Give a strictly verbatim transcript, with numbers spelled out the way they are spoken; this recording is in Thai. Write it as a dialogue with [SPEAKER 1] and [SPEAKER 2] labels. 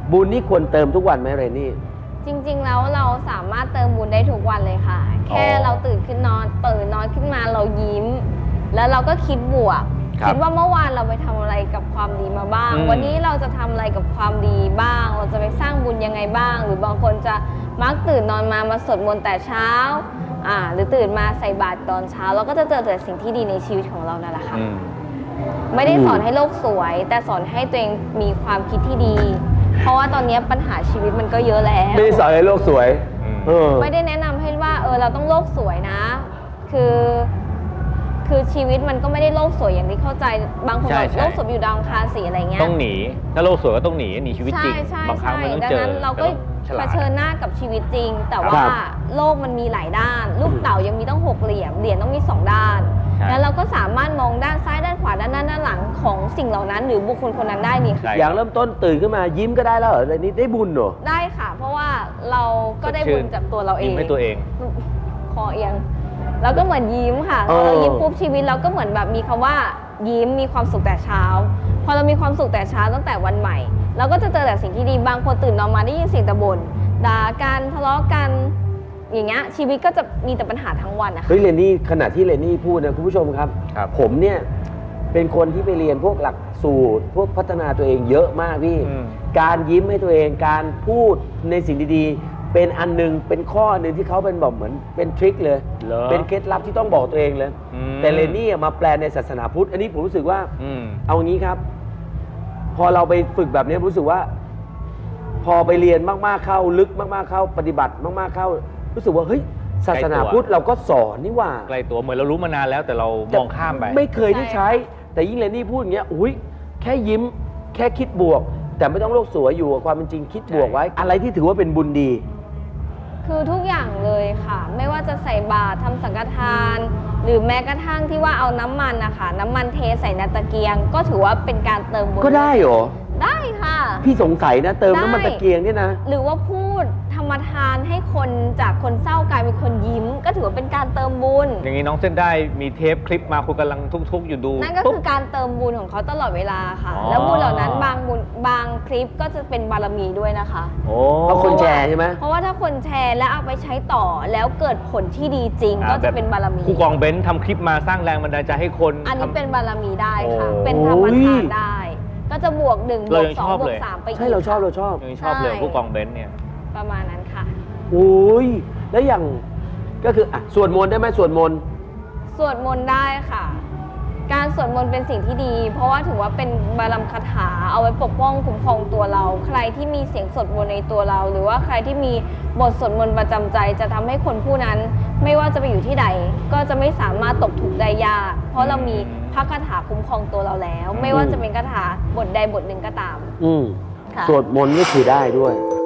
[SPEAKER 1] บุญนี่ควรเติมทุกวันไหมเรนนี่
[SPEAKER 2] จริงๆแล้วเราสามารถเติมบุญได้ทุกวันเลยค่ะ แค่เราตื่นขึ้นนอนตื่นนอนขึ้นมาเรายิ้มแล้วเราก็คิดบวกคิดว่าเมื่อวานเราไปทำอะไรกับความดีมาบ้างวันนี้เราจะทำอะไรกับความดีบ้างเราจะไปสร้างบุญยังไงบ้างหรือบางคนจะมักตื่นนอนมามาสวดมนต์แต่เช้าอ่าหรือตื่นมาใส่บาตรตอนเช้าเราก็จะเจอแต่สิ่งที่ดีในชีวิตของเรานั่นแหละค่ะไม่ได้สอนให้โลกสวยแต่สอนให้ตัวเองมีความคิดที่ดีเพราะว่าตอนนี้ปัญหาชีวิตมันก็เยอะแล้ว
[SPEAKER 1] ไม่ได้สอนให้โลกสวย
[SPEAKER 2] ไม่ได้แนะนำให้ว่าเออเราต้องโลกสวยนะคือคือชีวิตมันก็ไม่ได้โลกสวยอย่างที่เข้าใจบางคนบอกโลกสวยอยู่ดาวอังคารสีอะไรเงี้ย
[SPEAKER 3] ต้องหนีถ้าโลกสวยก็ต้องหนีหนีชีวิตจริงบางครั้งมันต้องเจอ
[SPEAKER 2] เราก็เผชิญหน้ากับชีวิตจริงแต่ว่าโลกมันมีหลายด้านลูกเต๋ายังมีต้องหกเหลี่ยมเหรียญต้องมีสองด้านแล้วเราก็สามารถมองด้านซ้ายด้านขวาด้านหน้าด้านหลังของสิ่งเหล่านั้นหรือบุคคลคนนั้นได้นี่
[SPEAKER 1] อย่างเริ่มต้นตื่นขึ้นมายิ้มก็ได้แล้วเหรอนี่ได้บุญเหรอ
[SPEAKER 2] ได้ค่ะเพราะว่าเราก็ได้บุญจากตัวเราเอง
[SPEAKER 3] ยิ้มให้ตัวเอง
[SPEAKER 2] คอเอียงแล้วก็เหมือนยิ้มค่ะเรายิ้มปุ๊บชีวิตเราก็เหมือนแบบมีคำว่ายิ้มมีความสุขแต่เช้าพอเรามีความสุขแต่เช้าตั้งแต่วันใหม่เราก็จะเจอแต่สิ่งที่ดีบางคนตื่นนอนมาได้ยินเสียงตะบ่นด่ากันทะเลาะกันอย่างเงี้ยชีวิตก็จะมีแต่ปัญหาทั้งวันนะคะ
[SPEAKER 1] เฮ้ยเรนนี่ขณะที่เรนนี่พูดนะคุณผู้ชมครับผมเนี่ยเป็นคนที่ไปเรียนพวกหลักสูตรพวกพัฒนาตัวเองเยอะมากพี่การยิ้มให้ตัวเองการพูดในสิ่งดีๆเป็นอันนึงเป็นข้อหนึ่งที่เขาเป็นแบบเหมือนเป็นทริคเลยเป็นเคล็ดลับที่ต้องบอกตัวเองเลยแต่เรนนี่มาแปลในศาสนาพุทธอันนี้ผมรู้สึกว่าเอางี้ครับพอเราไปฝึกแบบนี้รู้สึกว่าพอไปเรียนมากๆเข้าลึกมากๆเข้าปฏิบัติมากๆเข้ารู้สึกว่าเฮ้ยศาสนาพุทธเราก็สอนนี่ว่า
[SPEAKER 3] ไกลตัวเหมือนเรารู้มานานแล้วแต่เรามองข้ามไป
[SPEAKER 1] ไม่เคยได้ใช้แต่ยิ่งเรนนี่พูดอย่างเงี้ยอุ้ยแค่ยิ้มแค่คิดบวกแต่ไม่ต้องโลกสวยอยู่กับความเป็นจริงคิดบวกไว้อะไรที่ถือว่าเป็นบุญดี
[SPEAKER 2] คือทุกอย่างเลยค่ะไม่ว่าจะใส่บาตรทำสังฆทานหรือแม้กระทั่งที่ว่าเอาน้ำมันนะคะน้ำมันเทใส่ในตะเกียงก็ถือว่าเป็นการเติมบุญ
[SPEAKER 1] ก็ได้เหรอ
[SPEAKER 2] ได้ค่ะ
[SPEAKER 1] พี่สงสัยนะเติมน้ำมันตะเกียงเนี่ยนะ
[SPEAKER 2] หรือว่าพูดธรรมทานให้คนจากคนเศร้ากลายเป็นคนยิ้มก็ถือว่าเป็นการเติมบุญ
[SPEAKER 3] อย่างนี้น้องเส้นได้มีเทปคลิปมาคุณกำลังทุกๆอยู่ดู
[SPEAKER 2] นั่นก็คือการเติมบุญของเขาตลอดเวลาค่ะแล้วบุญเหล่านั้นบางบุญบางคลิปก็จะเป็นบารมีด้วยนะคะ
[SPEAKER 1] เพราะคนแชร์ใช่ไหม
[SPEAKER 2] เพราะว่าถ้าคนแชร์แล้วเอาไปใช้ต่อแล้วเกิดผลที่ดีจริงก็จะเป็นบารมี
[SPEAKER 3] ครูกองเบนซ์ทำคลิปมาสร้างแรงบันดาลใจให้คน
[SPEAKER 2] อันนี้เป็นบารมีได้ค่ะเป็นธรรมทานได้ก็จะบวกหนึ่งบวกสองบวกสามไปอีก
[SPEAKER 1] ใช่เราชอบเราชอบ
[SPEAKER 3] ยังชอบเลยผู้กองเบนซ์เนี่ย
[SPEAKER 2] ประมาณนั้นค่ะ
[SPEAKER 1] โอ้ยแล้วอย่างก็คืออ่ะสวดมนต์ได้ไหมสวดมนต์
[SPEAKER 2] สวดมนต์ได้ค่ะการสวดมนต์เป็นสิ่งที่ดีเพราะว่าถือว่าเป็นบารมีคาถาเอาไว้ปกป้องคุ้มครองตัวเราใครที่มีเสียงสวดมนต์ในตัวเราหรือว่าใครที่มีบทสวดมนต์ประจำใจจะทำให้คนผู้นั้นไม่ว่าจะไปอยู่ที่ใดก็จะไม่สามารถตกทุกข์ได้ยากเพราะเรามีพระคาถาคุ้มครองตัวเราแล้วไม่ว่าจะเป็นคาถาบทใดบทหนึ่งก็ตาม
[SPEAKER 1] อืมสวดมนต์ก็คือได้ด้วย